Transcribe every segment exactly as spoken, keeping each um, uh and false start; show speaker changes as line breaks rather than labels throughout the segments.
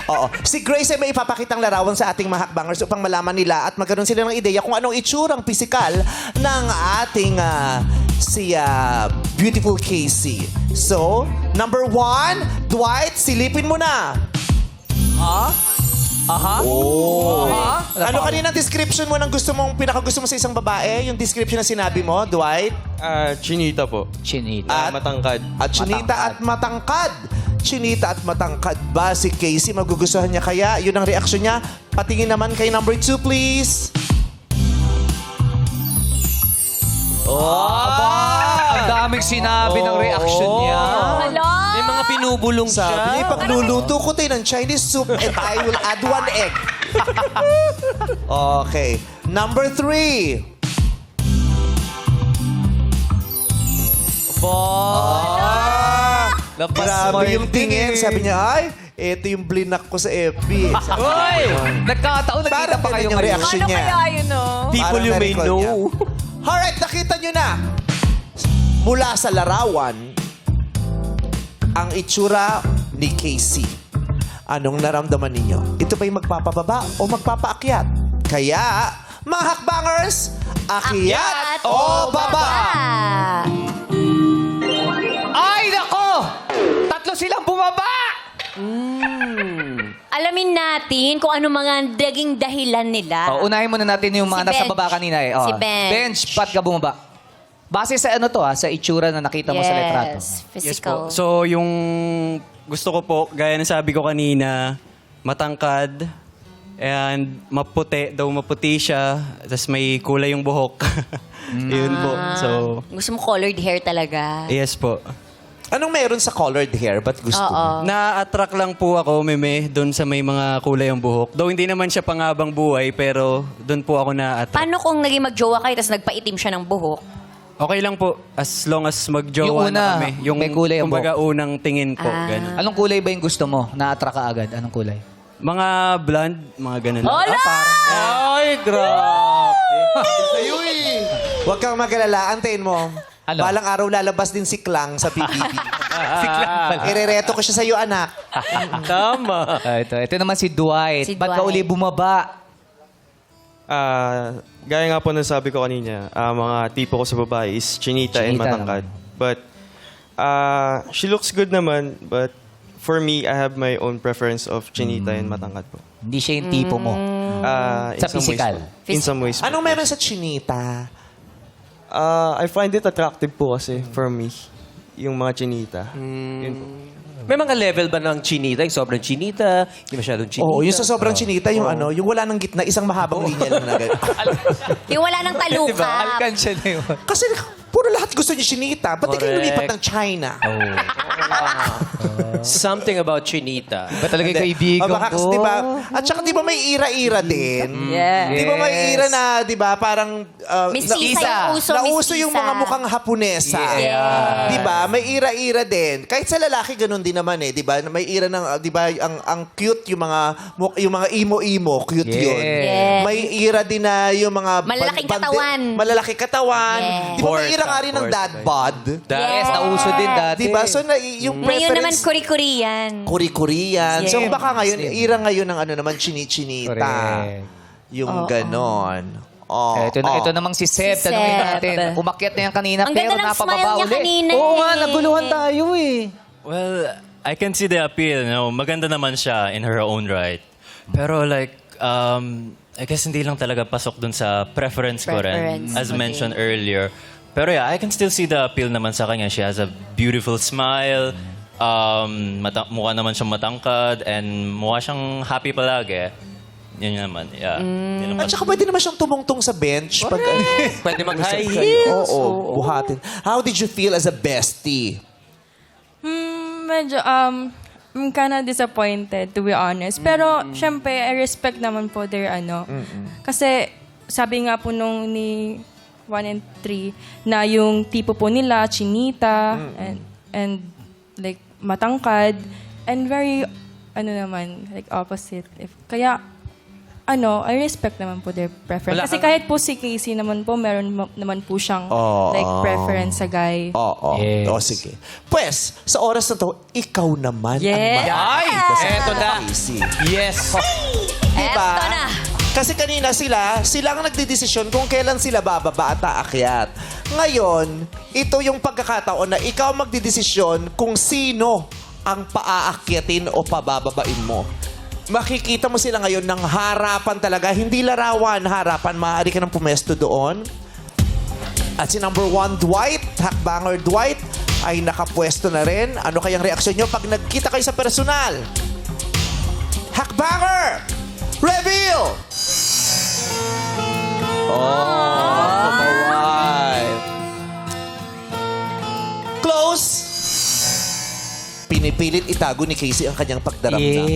Oo. Si Grace ay may ipapakitang larawan sa ating mga hakbangers upang malaman nila at magkaroon sila ng ideya kung anong itsurang pisikal ng ating ah, si ah, beautiful Casey. So, number one, Dwight, silipin mo na.
Ha? Aha?
Oh.
Aha?
Ano kanina description mo ng gusto mong pinakagusto mo sa isang babae? Yung description na sinabi mo, Dwight?
Ah, chinita po.
Chinita.
Ah,
At-
matangkad.
At chinita at matangkad. Chinita at matangkad ba si Casey? Magugustuhan niya kaya? Yun ang reaksyon niya. Patingin naman kay number two, please.
Aba! Ang daming sinabi ng reaction niya.
Hala!
May mga pinubulong
Sabi
siya.
niya, pagluluto ko tayo ng Chinese soup and I will add one egg. Okay. Number three.
Ba! Labas mo
Grabe yung tingin.
tingin.
Sabi niya, ay, ito yung blinak ko sa F B. Sabi-
Uy! Nagkataon, nakita
Parang
pa kayo
ganun yung
ngayon.
reaction
Ano
niya.
kaya yun, no?
People
Parang
you may
na-record
know.
niya. Alright, nakita nyo na. Mula sa larawan, ang itsura ni Casey. Anong naramdaman ninyo? Ito ba'y magpapababa o magpapaakyat? Kaya, mga hakbangers, akyat, o baba?
Ay, nako! Tatlo silang bumaba!
Alamin natin kung ano mga naging dahilan nila.
Oh, unahin muna natin yung mga
Si
nasa
Bench.
baba kanina eh. Oh.
Si Bench.
Bench, ba't ka bumaba? Base sa ano to ah, sa itsura na nakita mo sa litrato.
Yes,
Yes
physical.
po. So, yung gusto ko po, gaya ng sabi ko kanina, matangkad, and maputi, daw maputi siya, tapos may kulay yung buhok. Yun po. So,
Gusto mo colored hair talaga.
yes po.
Anong meron sa colored hair? Ba't gusto
Oo.
mo?
Na-attract lang po ako, meme, doon sa may mga kulay yung buhok. Though hindi naman siya pangabang buhay, pero doon po ako na-attract.
Paano kung naging magjowa kayo tapos nagpaitim siya ng buhok?
Okay lang po, as long as magjowa
Yung una,
na kami. Yung,
may kulay ang
kumbaga, unang tingin po.
Ah.
Ganun.
Anong kulay ba yung gusto mo? Na-attract ka agad. Anong kulay?
Mga blonde, mga ganun. lang.
Hala!
Ay, grabe.
Sa'yo eh. Huwag kang mag-alala. Antayin mo.
Ano?
Balang araw lalabas din si Klang sa P B B. Irereto ko siya sa'yo, anak.
Tama.
Ah, ito, ito naman si Dwight.
Si
Ba't ka
Dwight.
uli bumaba?
Ah, gaya nga po ng sabi ko kanina, ah, mga tipo ko sa babae is chinita, and
Chinita
matangkad. But, ah, she looks good naman, but for me, I have my own preference of chinita and matangkad po.
Hindi siya yung tipo mo.
Ah, in
Sa
some ways
physical?
po. In some ways po.
Anong meron sa chinita?
Ah, I find it attractive po kasi for me, yung mga chinita. Yun po.
May mga level ba ng chinita? Yung sobrang chinita, hindi masyadong chinita.
Oo, yung sa sobrang chinita, yung ano, yung wala nang gitna, isang mahabang linya lang na ganun.
Yung wala ng talukap.
Diba? Alkansya na yun.
Kasi puro lahat gusto niyo chinita. Ba't di kayo
Correct.
lumipat ng China?
Something about chinita.
Ba talaga yung kaibigan
O baka kasi,
ko?
di ba? At saka di ba may ira-ira din?
Yeah.
Di ba may
Yes.
ira na, di ba, parang... uh,
Miss
na-
Tisa yung uso, Miss
Nauso yung
Tisa.
mga mukhang Haponesa.
Yes.
Di ba? May ira-ira din. Kahit sa lalaki, ganun din naman eh. Di ba? May ira ng, uh, di ba, ang, ang cute yung mga, mu- yung mga imo-imo. Cute
Yes.
yun.
Yes.
May ira din na yung mga...
Malalaking
bandi-
katawan.
Malalaking katawan.
Yes.
Di ba may
Force,
ira nga rin ng
force.
dad bod?
Yes, nauso din dati.
Di ba? So, na, yung
Ngayon naman,
preference...
kuri-kuri yan.
Kuri-kurian. So
Yes.
baka ngayon, ira ngayon ng ano naman, chini-chinita.
Correct.
Yung ganon. Oh,
Eh, ito, na,
oh.
ito namang si Seb.
Si
Tanungin
Seb.
natin. Umakyat na yan kanina,
Ang
pero
ganda ng
napababa
smile niya
uli.
kanina
Oo nga,
eh.
naguluhan tayo eh.
Well, I can see the appeal. No? Maganda naman siya in her own right. Pero like, um, I guess hindi lang talaga pasok dun sa preference, ko rin,
Preference,
as
okay.
mentioned earlier. Pero yeah, I can still see the appeal naman sa kanya. She has a beautiful smile. Um, mata- mukha naman siyang matangkad and mukha siyang happy palagi. Yun yun naman, yeah. Yun naman.
At saka pwede naman siyang tumungtong sa bench. Pag, ano,
Pwede mag-high
Oo,
heels.
buhatin. How did you feel as a bestie?
Hmm, medyo, um, I'm kinda disappointed, to be honest. Pero, syempre, I respect naman po their, ano. Kasi, sabi nga po nung ni one and three, na yung tipo po nila, chinita, and, and, like, matangkad, and very, ano naman, like, opposite. If, kaya, ano, I respect naman po their preference.
Wala
Kasi
kang-
kahit po si Casey naman po, meron mo- naman po siyang
Oo.
like preference sa guy.
Oo.
Yes.
O, sige. Pues, sa oras na to, ikaw naman
Yes.
ang
Ay,
makakita
eto na.
Casey.
Yes.
Diba?
Eto na.
Kasi kanina sila, sila ang nagdidesisyon kung kailan sila bababa at aakyat. Ngayon, ito yung pagkakataon na ikaw magdidesisyon kung sino ang paaakyatin o pabababain mo. Makikita mo sila ngayon ng harapan talaga. Hindi larawan, harapan. Maaari ka nang pumesto doon. At si number one, Dwight, Hakbanger Dwight, ay nakapwesto na rin. Ano kayang reaksyon nyo pag nagkita kayo sa personal? Hakbanger! Reveal! Oh, kawai. Close! Pinipilit itago ni Casey ang kanyang pagdaramdam.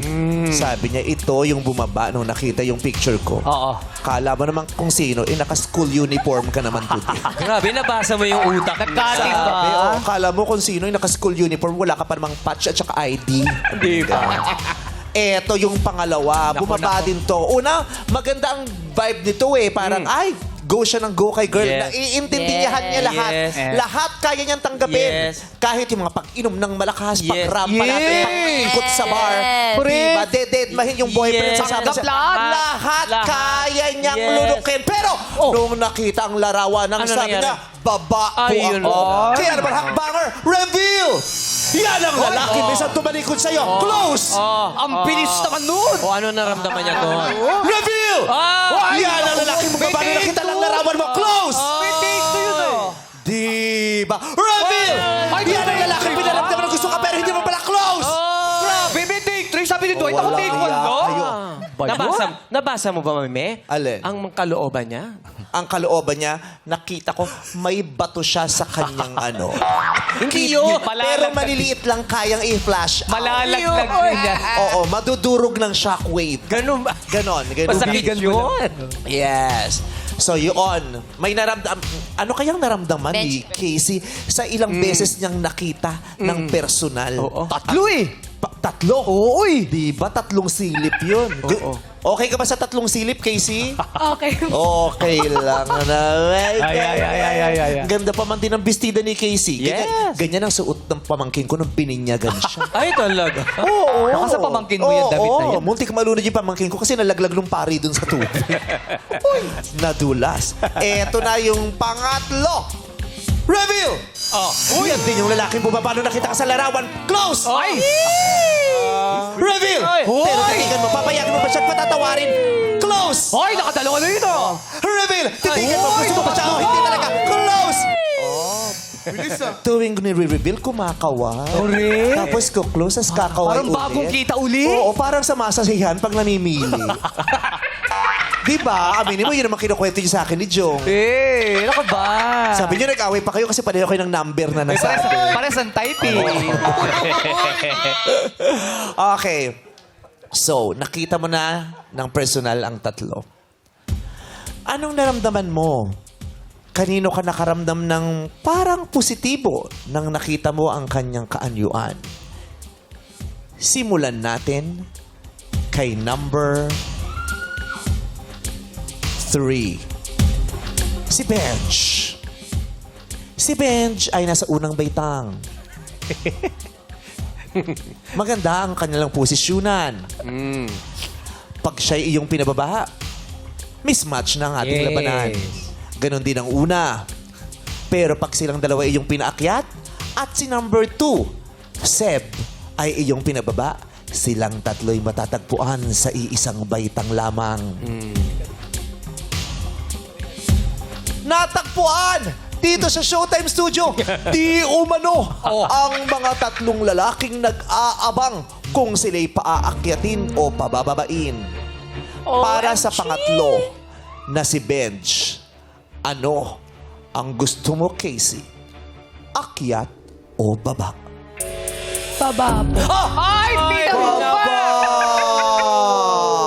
Sabi niya, ito yung bumaba nung nakita yung picture ko.
Oo.
Kala mo naman kung sino, eh, naka-school uniform ka naman today.
Grabe, nabasa mo yung utak.
Nagkating ba?
Sabi, oh, kala mo kung sino yung naka-school uniform, wala ka pa namang patch at saka I D.
Di ba?
Eto yung pangalawa. Bumaba din to. Una, maganda ang vibe nito eh. Parang, ay, go siya ng go kay girl.
Yes.
Naiintindihan niya
Yes.
lahat.
Yes.
Lahat kaya niyang tanggapin.
Yes.
Kahit yung mga pag-inom ng malakas,
Yes.
pag-rampa natin,
Yes.
pag-ikot sa bar.
Yes.
Diba? Dededmahin yung boyfriend
Yes.
sa sama
Tanggap
siya.
lahat.
Lahat
Lahat.
kaya niyang
Yes.
lulukin. Pero, nung nakita ang larawan ng
Ano
sabi
nangyari?
niya, baba po
Ay, yun.
ako.
Ay.
Kaya naman, Hakbanger, reveal! Yan ang lalaki. May isang tumalikod sa'yo. Close!
Ang bilis naman nun!
O ano naramdaman niya doon?
Reveal!
Ah!
Yan ang lalaki mo.
May
Paano
take
nakita
two.
lang larawan mo? Close!
May take two yun eh.
Diba? Reveal!
Ay,
Yan ang
take
lalaki.
two.
Pinaramdaman ng gusto ka pero hindi mo pala close!
Grabe, may take three. Sabi ni Dwight, ako
Wala
take one,
kaya
no?
kayo.
Nabasa, nabasa mo ba, Mame?
Alin?
Ang kalooban niya?
Ang kalooban niya, nakita ko, may bato siya sa kanyang ano.
Hindi yun.
Pero maliliit lang kayang i-flash out.
Malalaglag niya.
Oo, madudurog ng shockwave.
Ganun ba?
Ganon, ganon.
Masakit yun.
Yes. So yun, may naramdam ano kayang naramdaman ni
Bench.
Casey sa ilang beses niyang nakita ng personal?
Oo.
Tatlo eh. Pa- tatlo? Oo eh. Di ba tatlong silip yun? Gu- Okay ka ba sa tatlong silip, Casey?
Okay.
Okay lang na.
Ay, ay, ay, ay, ay, ay, ay.
Ganda pa man din ang bestida ni Casey. Ganyan,
Yes.
ganyan ang suot ng pamangkin ko nung bininyagan siya.
Ay, talaga.
Oo.
Baka sa pamangkin mo yung damit na yan.
Oo, muntik malunod yung pamangkin ko kasi nalaglag ng pari dun sa tubig. Uy, nadulas. Eto na yung pangatlo. Reveal! Oh. Uy, yan din yung lalaking bumaba nung nakita ka sa larawan. Close!
Ay!
Reveal! Pero titigan mo, papayagan mo pa siya at patatawarin. Close!
Hoy, nakadalawa na yun, oh!
Reveal! Titigan mo, gusto mo pa siya o hindi talaga. Close! Tuwing nire-reveal, kumakawa.
Correct.
Tapos ko-close, as kakaway
Parang
ulit.
bagong kita uli.
Oo, parang sa masasahihan pag namimili. Di ba? Aminin mo, yun naman kinukwento niyo sa akin ni Jong.
Eh, ano ka ba?
Sabi niyo, nag-away pa kayo kasi pareho kayo ng number na
Pares,
nasabi.
pares ang type eh.
Okay. So, nakita mo na ng personal ang tatlo. Anong naramdaman mo? Kanino ka nakaramdam ng parang positibo nang nakita mo ang kanyang kaanyuan? Simulan natin kay number three. Si Benj. Si Benj ay nasa unang baitang. Maganda ang kanilang posisyonan. Pag siya'y iyong pinababa, mismatch na ang ating
Yes.
labanan. Ganon din ang una. Pero pag silang dalawa iyong pinaakyat, at si number two, Seb, ay iyong pinababa, silang tatlo'y matatagpuan sa iisang baitang lamang. Natagpuan dito sa Showtime Studio. Di umano ang mga tatlong lalaking nag-aabang kung sila'y paaakyatin o pabababain. Para sa pangatlo na si Benj, ano ang gusto mo, Casey? Akyat o baba?
Baba po.
Ay, pinababa!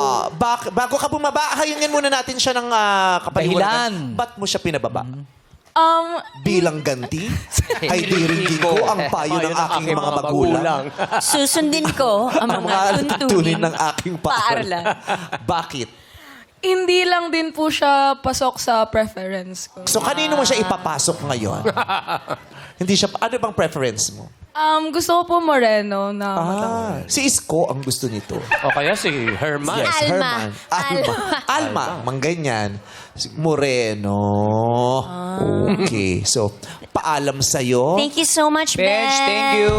Bak- bago ka bumaba, hayungin muna natin siya ng ah, kapaliwanag.
Dahilan.
Ba't mo siya pinababa?
Um,
Bilang ganti, ay diringgin ko ang payo ng aking mga magulang.
Susundin ko ang
Ang
mga
mga tuntunin
tuntunin
ng aking paaralan.
paaralan.
Bakit?
hindi lang din po siya pasok sa preference ko.
So, kanino mo siya ipapasok ngayon? Hindi siya, ano bang preference mo?
Um, gusto ko po moreno na matangkad.
Ah, si Isko ang gusto nito.
O kaya si Herman.
Yes,
Alma.
Herman. Alma. Alma. Mang ganyan. Si Moreno. Okay. So, paalam sa'yo.
Thank you so much, Ben.
Bench, thank you.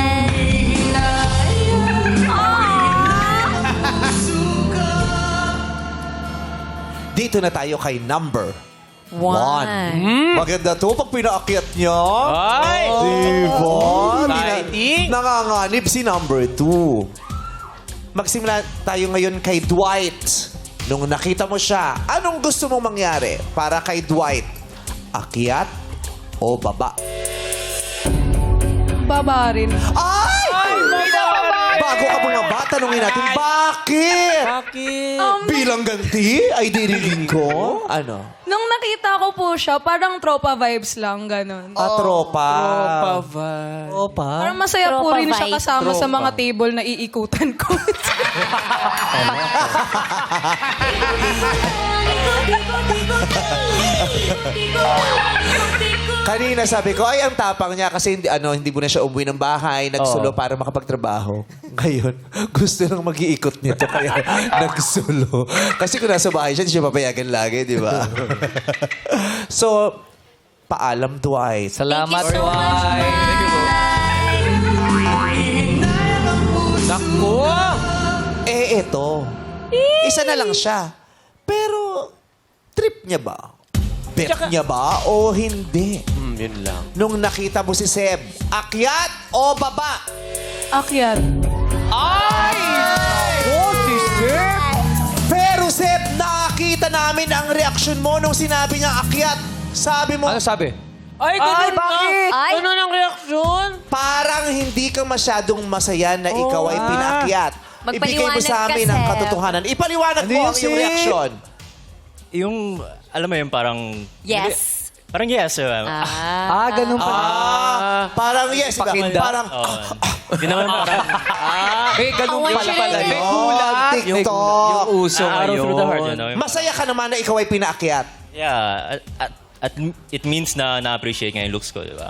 Dito na tayo kay number
One.
one. Maganda to pag pinaakyat niya.
Ay!
Diba?
Exciting.
Nang- Nanganganib si number two. Magsimula tayo ngayon kay Dwight. Nung nakita mo siya, anong gusto mong mangyari para kay Dwight? Akyat o baba?
Baba rin.
Ay! Bago ka bumaba, tanungin natin, bakit?
Bakit?
Um,
Bilang ganti, ay dirilin ko? Ano?
nung nakita ko po siya, parang tropa vibes lang, ganun.
Ah, tropa.
Opa.
Parang masaya po
Tropa
rin siya
vibe.
kasama sa mga table na iikutan ko.
Kanina sabi ko, ay, ang tapang niya kasi hindi, ano, hindi mo na siya umuwi ng bahay, nagsulo para makapagtrabaho. Ngayon, gusto nang mag-iikot nito, kaya nagsulo. Kasi kung nasa bahay siya, hindi siya papayagan lagi, di ba? So, paalam, Dwight.
Salamat,
Thank you so much,
Dwight.
Naku!
Eh, eto. Isa na lang siya. Pero, trip niya ba? Bet niya ba o hindi?
Hmm, yun lang.
Nung nakita mo si Seb, akyat o baba?
Akyat.
Pero Seb, nakita namin ang reaksyon mo nung sinabi niya akyat. Sabi mo,
Ano sabi?
Ay, ganun
bakit?
na.
Ay.
Ganun ang reaksyon.
parang hindi ka masyadong masaya na ikaw ay pinaakyat. Ibigay mo
Magpaliwanag
sa amin
ka,
ang
Seb.
katotohanan. Ipaliwanag
Ano
mo
yun,
ang iyong
Seb?
reaksyon.
Yung, alam mo yun, parang...
Yes.
Parang yes, ma'am.
Ah, ganun pala.
Ah, parang yes. ba?
Pakinda.
Parang,
Oo. Hindi naman parang...
May ganun
Ang
pala pala.
wala
May
oh,
gulat.
TikTok.
Yung uso
arrow
ngayon.
through the heart, you know?
Masaya ka naman na ikaw ay pinaakyat.
Yeah. At, at, at it means na na-appreciate nga yung looks ko, di ba?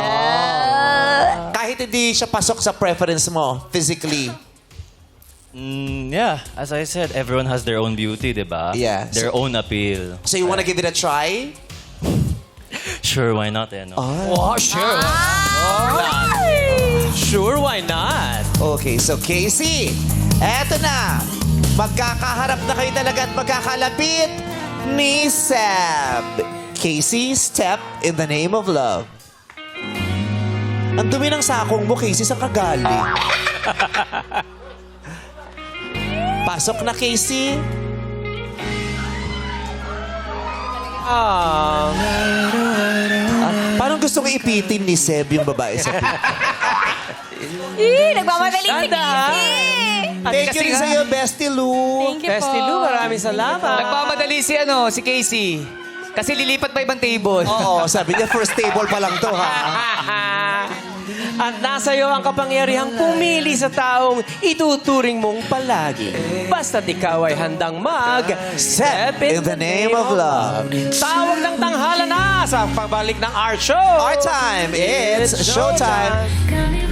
Kahit hindi siya pasok sa preference mo, physically.
Mm, yeah. As I said, everyone has their own beauty, di ba?
Yeah.
Their own appeal.
So you wanna give it a try?
Sure, why not, eh, no?
Oh, sure. Sure, why not?
Okay, so Casey, eto na. Magkakaharap na kayo talaga at magkakalapit ni Seb. Casey, step in the name of love. Ang dumi ng sakong mo, Casey, saan ka galing? Pasok na, Casey.
Ah,
Parang gusto ko ipitin ni Seb yung babae sa pit.
Eh, nagmamadali si Casey.
Thank you rin sa'yo, Bestie Lou.
Thank you po.
Bestie Lou, maraming salamat.
Nagmamadali si ano, si Casey. Kasi lilipat pa ibang table.
Oo, sabi niya, first table pa lang to, ha?
At nasa iyo ang kapangyarihang pumili sa taong ituturing mong palagi. Basta't ikaw ay handang mag
Step in the name of love.
Tawag ng tanghala na sa pagbalik ng Art Show.
Our time, it's showtime.
Coming